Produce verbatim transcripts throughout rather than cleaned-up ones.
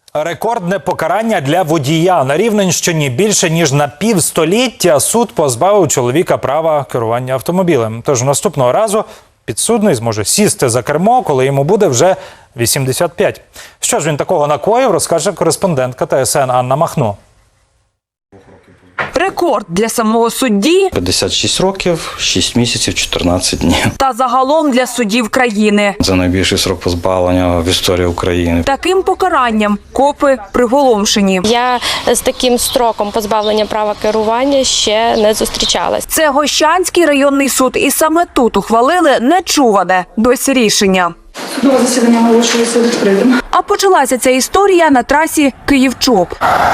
Рекордне покарання для водія. На Рівненщині більше ніж на півстоліття суд позбавив чоловіка права керування автомобілем. Тож наступного разу підсудний зможе сісти за кермо, коли йому буде вже вісімдесят п'ять. Що ж він такого накоїв, розкаже кореспондентка Т С Н Анна Махно. Рекорд для самого судді п'ятдесят шість років, шість місяців, чотирнадцять днів. та загалом для суддів країни. Це найбільший срок позбавлення в історії України. Таким покаранням копи приголомшені. Я з таким строком позбавлення права керування ще не зустрічалась. Це Гощанський районний суд, і саме тут ухвалили нечуване досі рішення. Судове засідання оголошується відкритим. А почалася ця історія на трасі Київ-Чоп.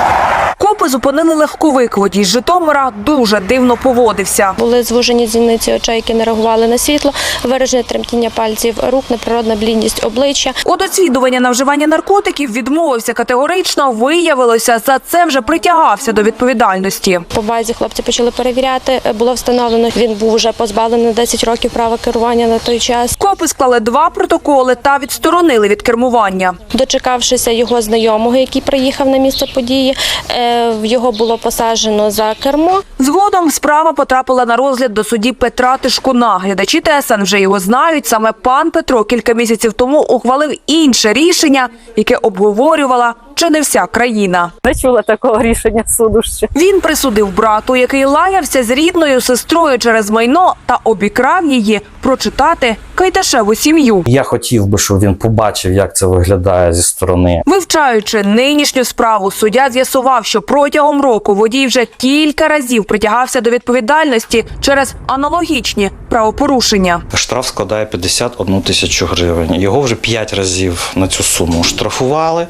Копи зупинили легковик. Водій з Житомира дуже дивно поводився. Були звужені зіниці очей, які не реагували на світло, виражене тремтіння пальців рук, неприродна блідність обличчя. От дослідження на вживання наркотиків відмовився категорично. Виявилося, за це вже притягався до відповідальності. По базі хлопці почали перевіряти. Було встановлено, він був вже позбавлений на десять років права керування на той час. Копи склали два протоколи та відсторонили від кермування. Дочекавшися його знайомого, який приїхав на місце події, його було посаджено за кермо. Згодом справа потрапила на розгляд до судді Петра Тишкуна. Глядачі Т С Н вже його знають. Саме пан Петро кілька місяців тому ухвалив інше рішення, яке обговорювала чи не вся країна. Не чула такого рішення суду ще. Він присудив брату, який лаявся з рідною сестрою через майно та обікрав її прочитати Кайдашеву сім'ю. Я хотів би, щоб він побачив, як це виглядає зі сторони. Вивчаючи нинішню справу, суддя з'ясував, що протягом року водій вже кілька разів притягався до відповідальності через аналогічні правопорушення. Штраф складає п'ятдесят одну тисячу гривень. Його вже п'ять разів на цю суму штрафували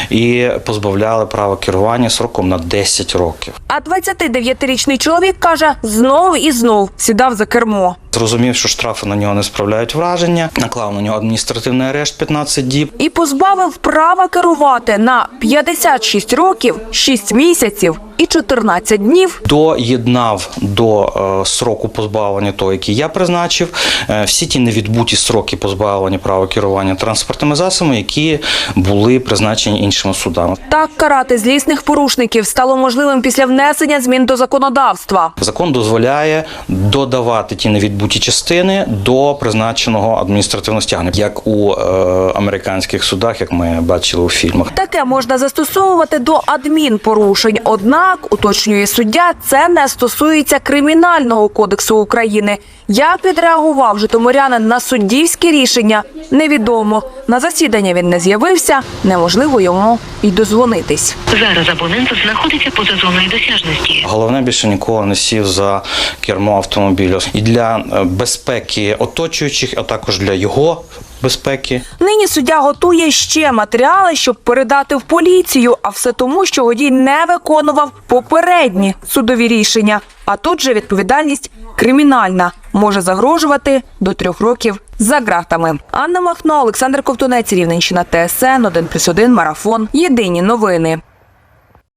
і позбавляли права керування сроком на десять років. А двадцятидев'ятирічний чоловік каже, знов і знов сідав за кермо. Зрозумів, що штрафи на нього не справляють враження, наклав на нього адміністративний арешт п'ятнадцять діб. І позбавив права керувати на п'ятдесят шість років, шість місяців і чотирнадцять днів. Доєднав до е, сроку позбавлення того, який я призначив, е, всі ті невідбуті сроки позбавлення права керування транспортними засобами, які були призначені іншими судами. Так карати злісних порушників стало можливим після внесення змін до законодавства. Закон дозволяє додавати ті невідбуті частини до призначеного адміністративного стягнення, як у е, американських судах, як ми бачили у фільмах. Таке можна застосовувати до адмінпорушень. Однак, уточнює суддя, це не стосується Кримінального кодексу України. Як відреагував житомирянин на суддівське рішення, невідомо. На засідання він не з'явився, неможливо йому й дозвонитись. Зараз абонент знаходиться поза зоною досяжності. Головне, більше ніколи не сів за кермо автомобілю. І для безпеки оточуючих, а також для його безпеки. Нині суддя готує ще матеріали, щоб передати в поліцію, а все тому, що водій не виконував попередні судові рішення. А тут же відповідальність кримінальна, може загрожувати до трьох років за ґратами. Анна Махно, Олександр Ковтунець, Рівненщина, Т С Н, один плюс один, Марафон. Єдині новини.